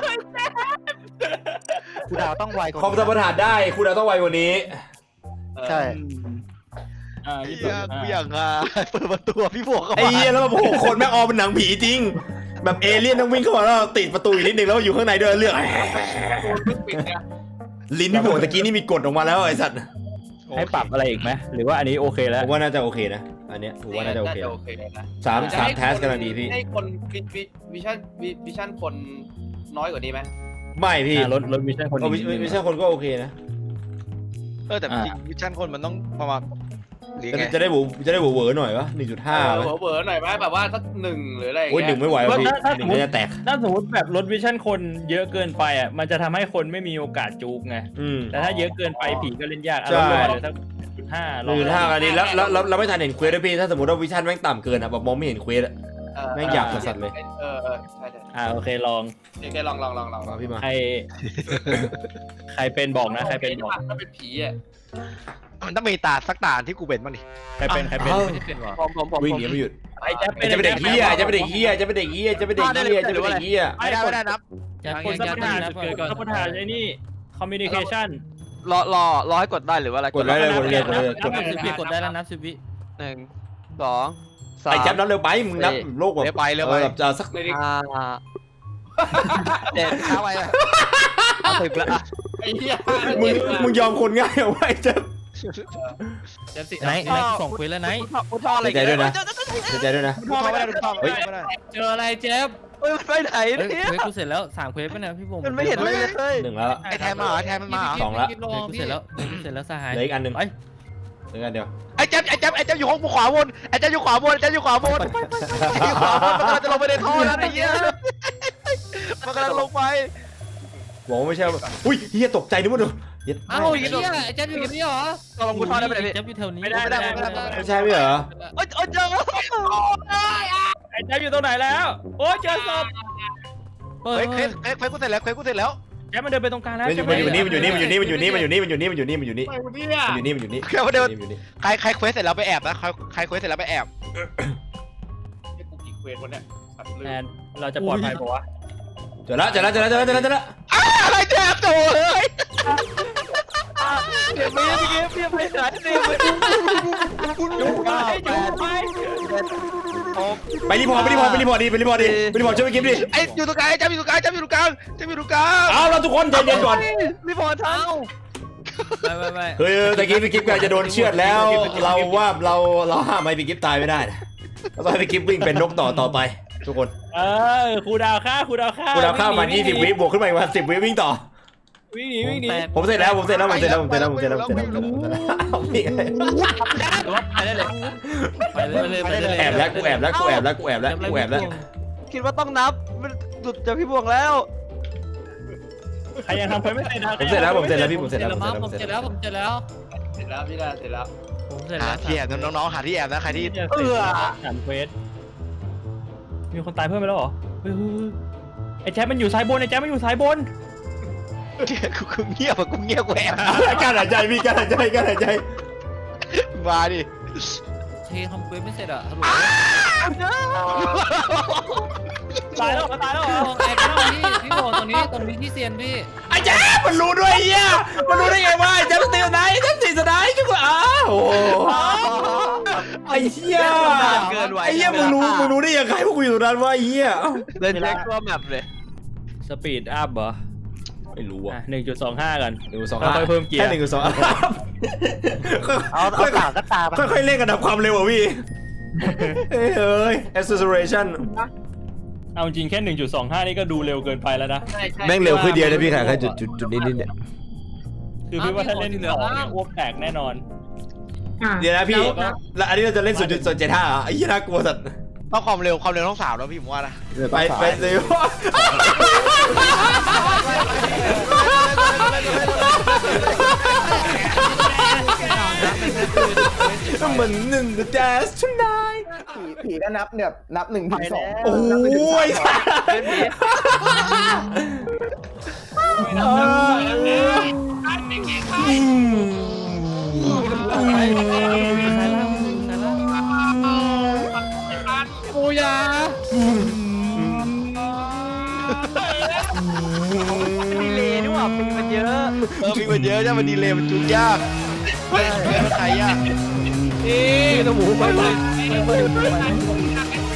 [SPEAKER 3] กูดาวต้องไวกว่า
[SPEAKER 2] คอมสมรรถได้คุณเราต้องไวกว่านี้
[SPEAKER 3] ใช่
[SPEAKER 4] อ่า
[SPEAKER 3] ไอ้
[SPEAKER 4] ยี่
[SPEAKER 3] เหี้
[SPEAKER 4] สิ
[SPEAKER 3] ย
[SPEAKER 4] บ
[SPEAKER 3] กูอยากอ่ะเปิดประตูพี่บวกเข้า
[SPEAKER 2] ไอ้
[SPEAKER 3] มา
[SPEAKER 2] เหี้ยแล้วแบบโอ้โหคนแม่งออมเป็นหนังผีจริง แบบเอเลี่ยนต้องวิ่งเข้ามาแล้วติดประตูอีกนิดนึงแล้วอยู่ข้างในด้วยเลือก
[SPEAKER 6] โดนไม่ปิดไง
[SPEAKER 2] ลิ้นพี่โบตะกี้นี่มีกดออกมาแล้วไอ้สัตว์
[SPEAKER 4] ให้ปรับอะไรอีกไหมหรือว่าอันนี้โอเคแล้
[SPEAKER 2] ผ
[SPEAKER 4] ว
[SPEAKER 2] มว่าน่าจะโอเคนะอันเนี้ยผมว่าน่าจะโอเค
[SPEAKER 6] โอเคนะ
[SPEAKER 2] สามสามแทสกำลังดีพี่
[SPEAKER 6] ให้คนวิวิวิชั่นวิวิชั่นคนน้อยกว่านี้ไหม
[SPEAKER 2] ไม่พี่
[SPEAKER 4] อ่ารถรถมิชชั่นคน
[SPEAKER 2] โอ้ไม่ไม่ใช่คนก็โอเคนะ
[SPEAKER 3] เออแต่จริงวิชั่นคนมันต้องประมาณหรือ
[SPEAKER 2] จะ
[SPEAKER 3] ไง
[SPEAKER 2] จะได้บูจะได้บูเวอร์หน่อยวะหนึ่งจุดห้า
[SPEAKER 6] เออเบอร์หน่อยไหมแบบว่าสักหนึ่งหรืออะไรอย่าง
[SPEAKER 2] โอ้ยหนึ่
[SPEAKER 6] เงี้
[SPEAKER 2] ง
[SPEAKER 6] ย
[SPEAKER 2] ไม่ไหววะพี่หนึ่งก็จะแตก
[SPEAKER 4] ถ้าสมมติแบบรถวิชั่นคนเยอะเกินไปอ่ะมันจะทำให้คนไม่มีโอกาสจูกไง
[SPEAKER 2] อืม
[SPEAKER 4] แต่ถ้าเยอะเกินไปผีก็เล่นยาก
[SPEAKER 2] ใช่
[SPEAKER 4] เอาลงมาเหลือสักจุดห้า
[SPEAKER 2] หนึ่งจุดห้าอันนี้แล้วแล้วแล้วเราไม่ทันเห็นเควสด้วยพี่ถ้าสมมติว่าวิชั่นแม่งต่ำเกินอ่ะแบบมองไม่เห็นเควสอะ
[SPEAKER 6] เออ
[SPEAKER 2] แม่งหยาบสัสๆเลย
[SPEAKER 6] เออเออใช่ใช่
[SPEAKER 4] อ่าโอเคลอง
[SPEAKER 6] เดี๋ยวแกลองลองลองลอง
[SPEAKER 2] มาพี่มา
[SPEAKER 4] ใคร ใครเป็นบอกนะใครเป็นบอก
[SPEAKER 6] ถ้าเป็นผีอ่ะ
[SPEAKER 3] มันต้องมีตาสักตาที่กูเป็นบ้างดิ
[SPEAKER 4] ใครเป็นใครเป็น
[SPEAKER 2] เอ้า
[SPEAKER 8] ไม่ได้เป็นวะ
[SPEAKER 6] ผมผมผม
[SPEAKER 2] วิ่งหนีไม่หยุด
[SPEAKER 4] ไอ้แจ๊บ
[SPEAKER 2] จะเป็นเด็กเฮียจะเป็นเด็กเฮียจะเป็นเด็กเฮียจะเป็นเด็กเฮียจะเป็นเด็กเฮีย
[SPEAKER 3] ไม่ได้ไม่ได้นับ
[SPEAKER 8] แจ๊บ
[SPEAKER 4] คน
[SPEAKER 8] แจ๊
[SPEAKER 4] สั
[SPEAKER 8] บ
[SPEAKER 4] มป
[SPEAKER 8] แจ๊
[SPEAKER 4] ทาน
[SPEAKER 8] บ
[SPEAKER 4] เกิดสัมปทานไอ้นี่คอมมิวนิเคชัน
[SPEAKER 9] รอรอรอให้กดได้หรือว่าอะไร
[SPEAKER 2] กดไว้เลยกดเลยกดเลยกด
[SPEAKER 8] นับสิบวิกดได้แล้วนับสิบวิ
[SPEAKER 9] หนึ่งสองสาม
[SPEAKER 2] ไอ้แจ๊บนับเร็วไปมึงนับโลกแบบ
[SPEAKER 3] เร็วไปเร็วไป
[SPEAKER 2] แบบจะสัก
[SPEAKER 6] ไม่ได้
[SPEAKER 9] ห้าเจ็ดเข้าไปเลยเอาสิบละอ่ะ
[SPEAKER 6] ไอ้เหี้ย
[SPEAKER 2] มึงมึงยอมคนง่ายเอาไว้แจ๊บ
[SPEAKER 5] แจ๊บสิ
[SPEAKER 8] ไหนไหนส่งคุยแล้วไหน
[SPEAKER 9] พุทธอะไร
[SPEAKER 2] เสียใจด้วยนะเสียใจด้วยนะ
[SPEAKER 3] ดูท่อไม่ได้ดูท่อไม่ได้ไม่ได้
[SPEAKER 5] เจออะไรแจ๊บ
[SPEAKER 9] เฮ้ยมันไปไหน
[SPEAKER 8] เฮ้ย
[SPEAKER 9] เนี่ย
[SPEAKER 8] เควสกูเสร็จแล้วสามเควสป่ะเนี่ยพี่บง
[SPEAKER 9] มันไม่เห็นเลยเลย
[SPEAKER 2] หนึ่งแล้ว
[SPEAKER 3] ไอ้แทนมาเหรอไอ้แทนมันมาเหรอ
[SPEAKER 2] สองละ
[SPEAKER 5] พี่
[SPEAKER 8] เควสกูเสร็จแล้วเควสกูเสร็จแล้วสหาย
[SPEAKER 2] เหลืออีกอันหนึ่ง
[SPEAKER 8] ไป
[SPEAKER 2] เหลืออีกอันเดียว
[SPEAKER 3] ไอ้แจ๊บไอ้แจ๊บไอ้แจ๊บอยู่ห้องขวาบนไอ้แจ๊บอยู่ขวาบนไอ้แจ๊บอยู่ขวาบนไอ้อยู่ขวาบนมันกำลังจะลงไปในท่อแล้วไอ้เหี้ยมันกำลังลงไป
[SPEAKER 2] บอกว่าไม่ใช่อุ้ยเฮียตกใจนึกว่าโดน
[SPEAKER 5] เอ้าไอ้เหี้ยไอ้แจ๊บอยู่ตรงนี้เหรอ
[SPEAKER 3] เราลงกูทอดได้ไหมเนี่ย
[SPEAKER 8] แจ๊บอยู่แถวนี้
[SPEAKER 4] ไม่ได้ไม่ได้ไม่ได้
[SPEAKER 2] ไม่ใช่ไม่เหรอ
[SPEAKER 3] โอ๊ยโอ๊ยเจอ
[SPEAKER 4] ไอ้แจ๊บอยู่ตรงไหนแล้ว โอ้ยเจอศพ
[SPEAKER 8] เฮ้
[SPEAKER 3] เฮ้
[SPEAKER 8] ย
[SPEAKER 3] ยเฮ้ยเฮ้ยกูเสร็จแล้วเฮ้ยกูเสร็จแล้ว
[SPEAKER 4] แจ๊บมันเดินไปตรงกลางแล้ว
[SPEAKER 2] มันอยู่
[SPEAKER 4] ใช่ไห
[SPEAKER 2] มันอยู่นี่มันอยู่นี่มันอยู่นี่มันอยู่นี่มันอยู่นี่มันอยู่นี่มันอยู่นี่มันอยู่นี่
[SPEAKER 6] ไปวันนี้อ่ะ
[SPEAKER 2] มันอยู่นี่มันอยู่นี่
[SPEAKER 3] แค่ว่าเดิน
[SPEAKER 2] มันอยู่นี่
[SPEAKER 3] ใครใครเควสเสร็จแล้วไปแอบนะใครใครเควสเสร็จแล้วไปแอบ
[SPEAKER 6] ให้กูกี่เควสวันเนี้ยสัตว์ลื
[SPEAKER 4] แอ
[SPEAKER 6] ม
[SPEAKER 4] นเราจะปลอดภัยปะวะ
[SPEAKER 2] เจอแล้วเจอแล้วเจอแล้วเจอแล้วเจอแล้วเจอแล้ว
[SPEAKER 3] อะไรแจ๊บโถ่เลย
[SPEAKER 9] เก็บไปเก็บเก็บไปไหนเนี่ย
[SPEAKER 4] จุกไปจุกไป
[SPEAKER 2] ไปรีพอร์ตไปรีพอร์ตไปรีพอร์ตดีไปรีพอร์ตดีไปรีพอร์ตช่วยไปกิฟดิ
[SPEAKER 3] ไอ้อยู่ตรงกลางไอ้แจ๊บอยู่ตรงกลางแจ๊บอยู่ตรงกลางแจ๊บอยู่ตรงกลาง
[SPEAKER 2] เอาเราทุกคนใจเย็นก่อน
[SPEAKER 9] รีพอร์ตเท้า
[SPEAKER 5] ไม่ไม่ไม่
[SPEAKER 2] เฮ้ยตะกี้ไปกิฟกำลังจะโดนเชือดแล้ว เราว่าเราเราห้ามไอ้ไปกิฟตายไม่ได้นะเราต้องให้ไปกิฟวิ่งเป็นนกต่อต่อไป ทุกคน
[SPEAKER 4] เออครูดาวฆ่าครูดาวฆ่า
[SPEAKER 2] กูเราเข้ามายี่สิบวิบวกขึ้นมาอีกมาสิบวิวิ่งต่อ
[SPEAKER 4] วิ่งหนีวิ่งหนี
[SPEAKER 2] ผมเสร็จแล้วผมเสร็จแล้วผมเสร็จแล้วผมเสร็จแล้วผมเสร็จแล้วผมเสร็จแล้วผมเสร็จแล้วเอาพี่
[SPEAKER 5] ไปได้เลย
[SPEAKER 8] ไปเลยไปเลยไปเลย
[SPEAKER 2] แอบแล้วกูแอบแล้วกูแอบแล้วกูแอบแล้วกูแอบแล้ว
[SPEAKER 9] คิดว่าต้องนับมันหลุดจากพี่บวงแล้ว
[SPEAKER 4] ใครยังทำเพื่อนไม่เสร็จนะ
[SPEAKER 2] ผมเสร็จแล้วผมเสร็จแล้วพี่ผม
[SPEAKER 5] เส
[SPEAKER 2] เส
[SPEAKER 5] ร็
[SPEAKER 2] ร็
[SPEAKER 5] จ
[SPEAKER 2] จแล้ว
[SPEAKER 5] แล้ว
[SPEAKER 2] ผม
[SPEAKER 5] มั้ง
[SPEAKER 2] เสร็จ
[SPEAKER 5] ผม
[SPEAKER 2] แล้ว
[SPEAKER 5] เสร็จแล้วผมเสร็จแล้ว
[SPEAKER 6] เสร็จแล้วพี่ดาเสร็จแล้ว
[SPEAKER 5] ผมเสร็จ
[SPEAKER 3] หา
[SPEAKER 5] แล้ว
[SPEAKER 3] ที่แอบนะน้องๆหาที่แอบนะใครที่
[SPEAKER 4] เออสามเควสมีคนตายเพิ่มไปแล้วเหรอเฮ้ยไอ้แจ๊บมันอยู่ซ้ายบนไอ้แจ๊บมันอยู่ซ้ายบน
[SPEAKER 3] กูกูเงียบอะกูเงียบกูแอบ
[SPEAKER 2] การหายใจพี่การหายใจการหายใจ
[SPEAKER 3] มาดิ
[SPEAKER 5] เททำเควสไม่เสร็จอ่ะฮัลโหล
[SPEAKER 4] ตายแล้วเหรอตายแล้วเหรอ
[SPEAKER 5] ไอ้พี่พี่บอกตรงนี้ตรงนี้ที่เซียนพี่
[SPEAKER 2] ไอ้แจ๊บมันรู้ด้วยเฮียมันรู้ได้ไงวะไอ้แจ๊บตีไหนแจ๊บตีไหนจุกอ้าวโอ้ไอ้เหี้ยไอ้เหี้ยมึงรู้มึงรู้ได้ยังไงพวกกูอยู่ตรงนั้นวะไอ้เหี้ย
[SPEAKER 9] เล่นแจ็คตัวแมปเลย
[SPEAKER 4] สปีดอัพเหรอ
[SPEAKER 2] ไม่รู้อ่ะ
[SPEAKER 4] หนึ่งจุดสองห้ากัน
[SPEAKER 2] หนึ่งสอง
[SPEAKER 4] ค่อยๆเพิ่มเกียร์
[SPEAKER 2] แค่หนึ่งสอง
[SPEAKER 9] เอาเอาต่างก็ตาม
[SPEAKER 2] ค่อยๆเล่นกันดับความเร็วอ่ะพี่เฮ้ยเอ้ย acceleration
[SPEAKER 4] เอาจริงแค่หนึ่งจุดสองห้านี่ก็ดูเร็วเกินไปแล้วนะ
[SPEAKER 6] ใช่ใช่
[SPEAKER 2] แม่งเร็วขึ้นเดียวนะพี่ค่ะแค่จุดจุดจุดนิดนิดเนี่ย
[SPEAKER 4] คือพี่ว่าถ้าเล่นเหลืออ้วกแตกแน่นอน
[SPEAKER 2] เดี๋ยวนะพี่แล้วอันนี้เราจะเล่นศูนย์จุดเจ็ดห้าอ่ะไอ้ยี่น่ากลัวสัตว์
[SPEAKER 3] ต้องความเร็วความเร็วต้องสาวแล้วพี่ผมว่านะ
[SPEAKER 2] ไปไปเร็วเหมือนหนึ่ง the dance tonight
[SPEAKER 7] ผีผีก็นับเนี่ยนับหนึ่งถึงสอง
[SPEAKER 2] โอ้ย
[SPEAKER 5] ปูยา
[SPEAKER 9] ดีเลยนี่หว่าปีมันเยอะ
[SPEAKER 3] เออมีมันเยอะใช่มันดีเลยมันจุกยากเล่นเล่นมันใครยาก
[SPEAKER 5] พี่ตัวหมูไปไปไปไป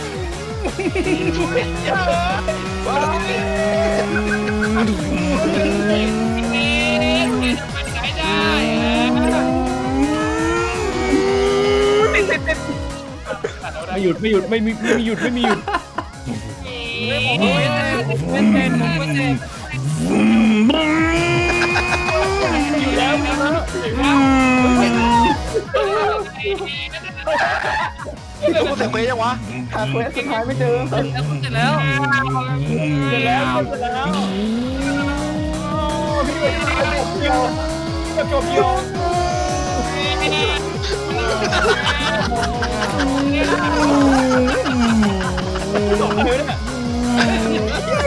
[SPEAKER 4] ไม่หยุดไม่หยุดไม่มีไม่มีหยุดไม่มีหยุด
[SPEAKER 5] เป็นเป็นผมเป็นเป็น
[SPEAKER 4] อยู่แล้ว
[SPEAKER 3] แล้วกูเสร็จไปยังวะ
[SPEAKER 7] หาเควสสุดท้ายไม่เจอ
[SPEAKER 5] เสร็จแล้ว
[SPEAKER 4] เสร็จแล้วเสร็จแล้วเกี่ยวจบเกี่ยวจบเลยเนี่ย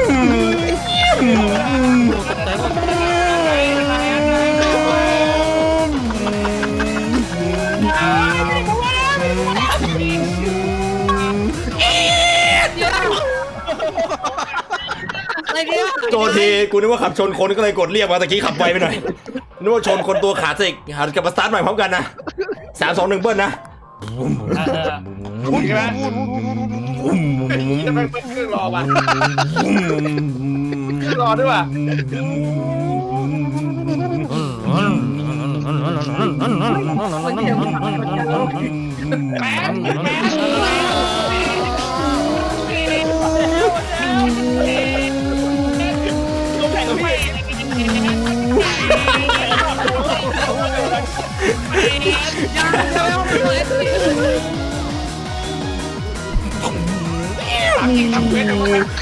[SPEAKER 5] อะไรเนี่ย
[SPEAKER 2] โทษทีกูนึกว่าขับชนคนก็เลยกดเรียกมาตะกี้ขับไวไปหน่อยนึกว่าชนคนตัวขาดสิกหันกลับมาสตาร์ทใหม่พร้อมกันนะสามสองหนึ่งเบิ้ลนะ
[SPEAKER 6] พูดใช่ไหมจะไปเปิดเครื่องรอว่ะเครื่องรอด้วยว่ะ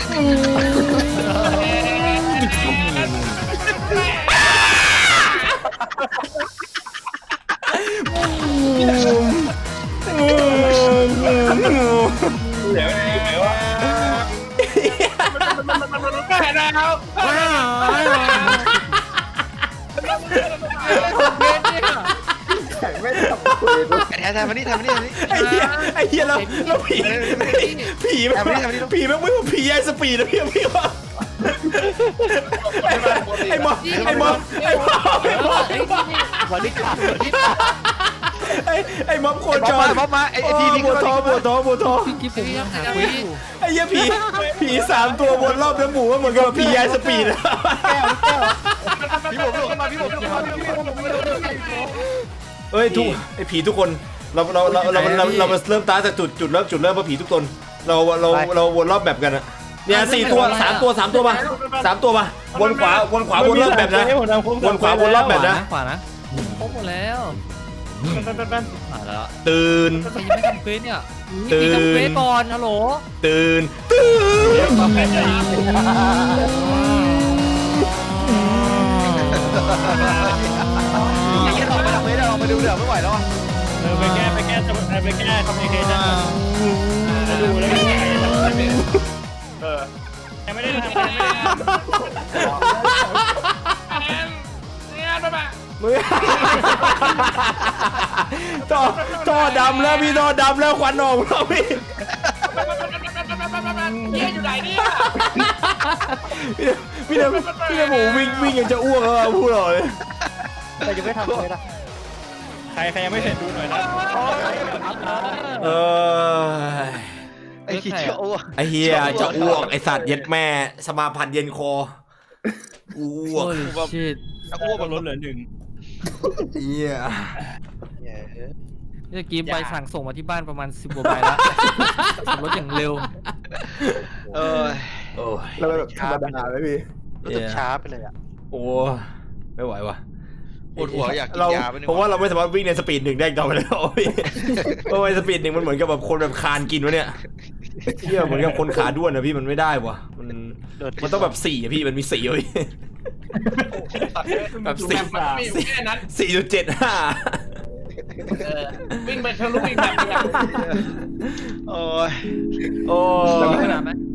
[SPEAKER 2] ไ
[SPEAKER 6] เดี๋ยวเดี๋ยวว่าแม่แล้ว
[SPEAKER 7] แข่งไม่ทำคุยด้วย
[SPEAKER 3] แทนแทนมานี่แทนมานี่แทนมานี่
[SPEAKER 2] ไอ้เหี้ยไอ้เหี้ยแล้วแล้วผีผีไม่
[SPEAKER 3] ทำนี่ทำนี่
[SPEAKER 2] ผีไม่ไม่ผีไอ้สปีดนะพี่พี่ว่าไอ้มอไอ้มอไอ้มอ
[SPEAKER 9] วันนี้ขาดวันนี้
[SPEAKER 2] ไอ้ไอ้มอโค
[SPEAKER 3] ไอ้
[SPEAKER 2] จ
[SPEAKER 3] บ๊อบมาร บ๊อบมาไอ้ไอ้ทีนี้
[SPEAKER 2] บัวทองบัวทองบัวทอง
[SPEAKER 5] พี่ผมยังหาคุยอยู่
[SPEAKER 2] ไอ้เหี้ยผีผีสามตัววนรอบเนื้อหมูเหมือนกับผีไอ้สปีด
[SPEAKER 3] พี่ผมพี่ผมขึ้นมาพี่ผมขึ้นมาพี่ผมขึ้นมา
[SPEAKER 2] เอ้ยทุกไอ้ผีทุกคนเราเราเราเราเราเรามาเริ่มตาจากจุดจุดเริ่มจุดเริ่มว่าผีทุกตนเราเราเราวนรอบแบบกันอะเนี่ยสี่ตัวสามตัวสามตัวมาสามตัวมาวนขวาวนขวาวนรอบแบบนะวนขวาวนรอบแบบนะ
[SPEAKER 5] ขวานะครบหมดแล้วผ่านแล้ว
[SPEAKER 2] ตื่น
[SPEAKER 5] ใครยังไม่ทำเควสเนี่ย
[SPEAKER 2] ตื่น
[SPEAKER 5] ทำเควสก่อนฮัลโหล
[SPEAKER 2] ตื่นตื่น
[SPEAKER 3] ไอ้เหี้ยออกไปทำไม่ได้ออกไปดูเดี๋ยวไม่ไหวแล้วอ่ะ
[SPEAKER 4] เออไปแก้ไปแก้ไปแก้คอมมิวนิเคชั่นไปดูแล้วก็
[SPEAKER 6] เออ
[SPEAKER 4] ยังไม่ได้ทำยังไม่ได้ทำ
[SPEAKER 6] เนี่ยไปมา
[SPEAKER 2] มือท่อท่อดำแล้วพี่ท่อดำแล้วควันออกแล้วพี่
[SPEAKER 6] เนี่ยอยู่ไหนเนี่ย
[SPEAKER 2] พี่เนี่ยพี่เนี่ยหมูวิ่งวิ่งยังจะอ้วกแล้วพูดหน่อย
[SPEAKER 9] แต่ยังไม่ทำเลยนะ
[SPEAKER 4] ใครใครยังไม่เสร็จดูหน่อยนะ
[SPEAKER 2] เออ
[SPEAKER 3] ไอ้ขี้เจ้าอ้วก
[SPEAKER 2] ไอเฮียจะอ้วกไอสัตว์เย็ดแม่สมาพันธ์เย็นคออ้วก
[SPEAKER 5] โอ้ยชิด
[SPEAKER 3] อ้วก
[SPEAKER 4] ก็ลดเหลือหนึ่ง
[SPEAKER 2] เฮีย
[SPEAKER 5] เมื่อกี้ใบสั่งส่งมาที่บ้านประมาณสิบกว่าใบแล้วขับรถอย่างเร็ว
[SPEAKER 3] เออ
[SPEAKER 2] โอ้ย
[SPEAKER 7] เราแบบธรรมดาไหมพี่
[SPEAKER 9] รู้สึกช้าไปเลยอ่ะ
[SPEAKER 2] โอ้ไม่ไหวว่ะ
[SPEAKER 3] ปวดหัวอยากกิน
[SPEAKER 2] เรา
[SPEAKER 3] ยาไปหนึ่ง
[SPEAKER 2] ผมว่าเราไม่สามารถวิ่งในสปีดหนึ่งได้อีกต่อไปแล้วพี่เพราะว่าสปีดหนึ่งมันเหมือนกับแบบคนแบบคานกินวะเนี่ยเที่ยเหมือนกับคนขาด้วนนะพี่มันไม่ได้ว่ะมันมันต้องแบบสี่อะพี่มันมีสี่อะพี่แบบสี่
[SPEAKER 6] มันมีอยู่แค่นั้น
[SPEAKER 2] สี่จุดเจ็ดห้า
[SPEAKER 6] เออวิ่งไปทะลุวิ่งแบบนี้
[SPEAKER 3] โอ้ย
[SPEAKER 2] โอ้
[SPEAKER 5] มีขนาดไหม